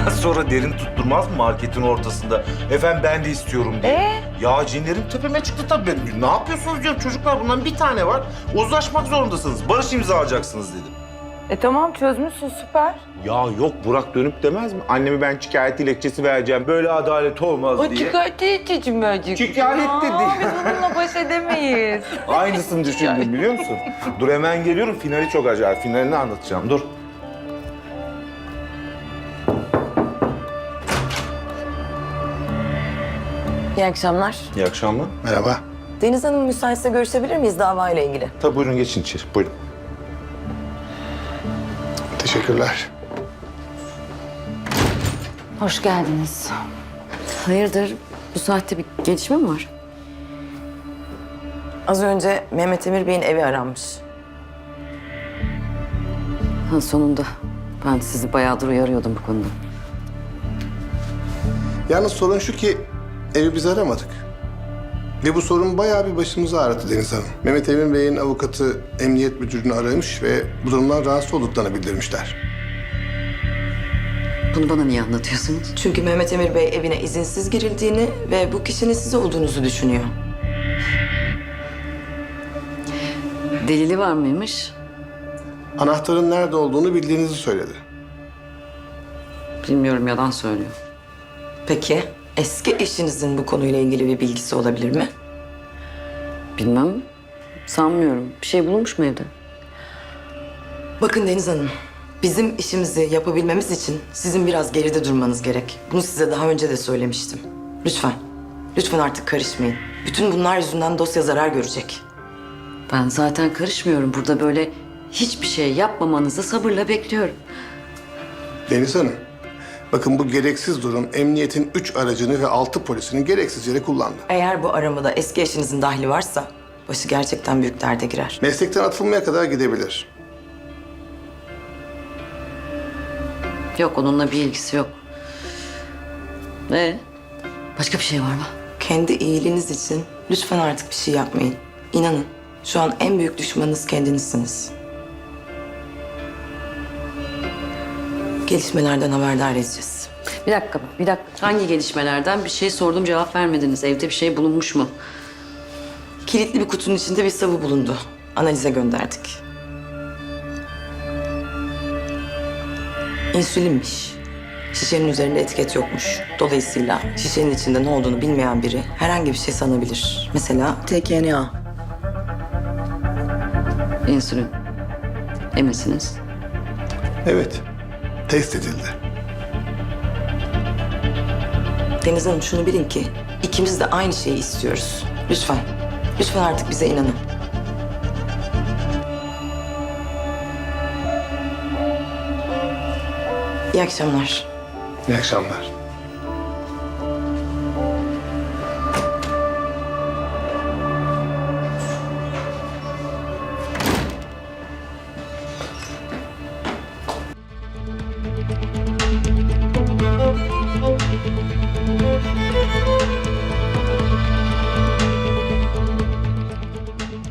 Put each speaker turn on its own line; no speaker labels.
Sonra derin tutturmaz mı marketin ortasında? Efendim ben de istiyorum diye. Ya cinlerim tepeme çıktı tabii. Ne yapıyorsunuz diyorum çocuklar, bundan bir tane var. Uzlaşmak zorundasınız. Barış imzalayacaksınız dedim.
Tamam çözmüşsün, süper.
Ya yok, Burak dönüp demez mi? Annemi ben şikayet dilekçesi vereceğim. Böyle adalet olmaz
O
diye.
şikayet edeceğim bence.
Şikayet dedi.
Biz bununla baş edemeyiz.
Aynısını düşündüm biliyor musun? Dur hemen geliyorum. Finali çok acayip. Finalini anlatacağım. Dur.
İyi akşamlar.
İyi akşamlar.
Merhaba.
Deniz Hanım müsaitse görüşebilir miyiz davayla ilgili?
Tabii buyurun geçin içeri. Buyurun.
Teşekkürler.
Hoş geldiniz.
Hayırdır? Bu saatte bir gelişme mi var? Az önce Mehmet Emir Bey'in evi aranmış.
Ha, sonunda. Ben sizi bayağıdır uyarıyordum bu konuda.
Yalnız sorun şu ki evi biz aramadık. Ve bu sorun bayağı bir başımızı ağrıttı Deniz Hanım. Mehmet Emin Bey'in avukatı emniyet müdürünü aramış ve bu durumdan rahatsız olduklarını bildirmişler.
Bunu bana niye anlatıyorsunuz?
Çünkü Mehmet Emir Bey evine izinsiz girildiğini ve bu kişinin siz olduğunuzu düşünüyor.
Delili var mıymış?
Anahtarın nerede olduğunu bildiğinizi söyledi.
Bilmiyorum, yalan söylüyor.
Peki eski eşinizin bu konuyla ilgili bir bilgisi olabilir mi?
Bilmem. Sanmıyorum. Bir şey bulunmuş mu evde?
Bakın Deniz Hanım, bizim işimizi yapabilmemiz için sizin biraz geride durmanız gerek. Bunu size daha önce de söylemiştim. Lütfen, lütfen artık karışmayın. Bütün bunlar yüzünden dosya zarar görecek.
Ben zaten karışmıyorum. Burada böyle hiçbir şey yapmamanızı sabırla bekliyorum.
Deniz Hanım, bakın bu gereksiz durum emniyetin 3 aracını ve 6 polisini gereksiz yere kullandı.
Eğer bu aramada eski eşinizin dahli varsa başı gerçekten büyük derde girer.
Meslekten atılmaya kadar gidebilir.
Yok, onunla bir ilgisi yok. Başka bir şey var mı?
Kendi iyiliğiniz için lütfen artık bir şey yapmayın. İnanın, şu an en büyük düşmanınız kendinizsiniz. Gelişmelerden haberdar edeceğiz.
Bir dakika. Hangi gelişmelerden? Bir şey sordum, cevap vermediniz. Evde bir şey bulunmuş mu?
Kilitli bir kutunun içinde bir sıvı bulundu. Analize gönderdik. İnsülinmiş. Şişenin üzerinde etiket yokmuş. Dolayısıyla şişenin içinde ne olduğunu bilmeyen biri herhangi bir şey sanabilir. Mesela TKNA.
İnsülin. Eminsiniz.
Evet, test edildi.
Deniz Hanım şunu bilin ki ikimiz de aynı şeyi istiyoruz. Lütfen, lütfen artık bize inanın. İyi akşamlar.
İyi akşamlar.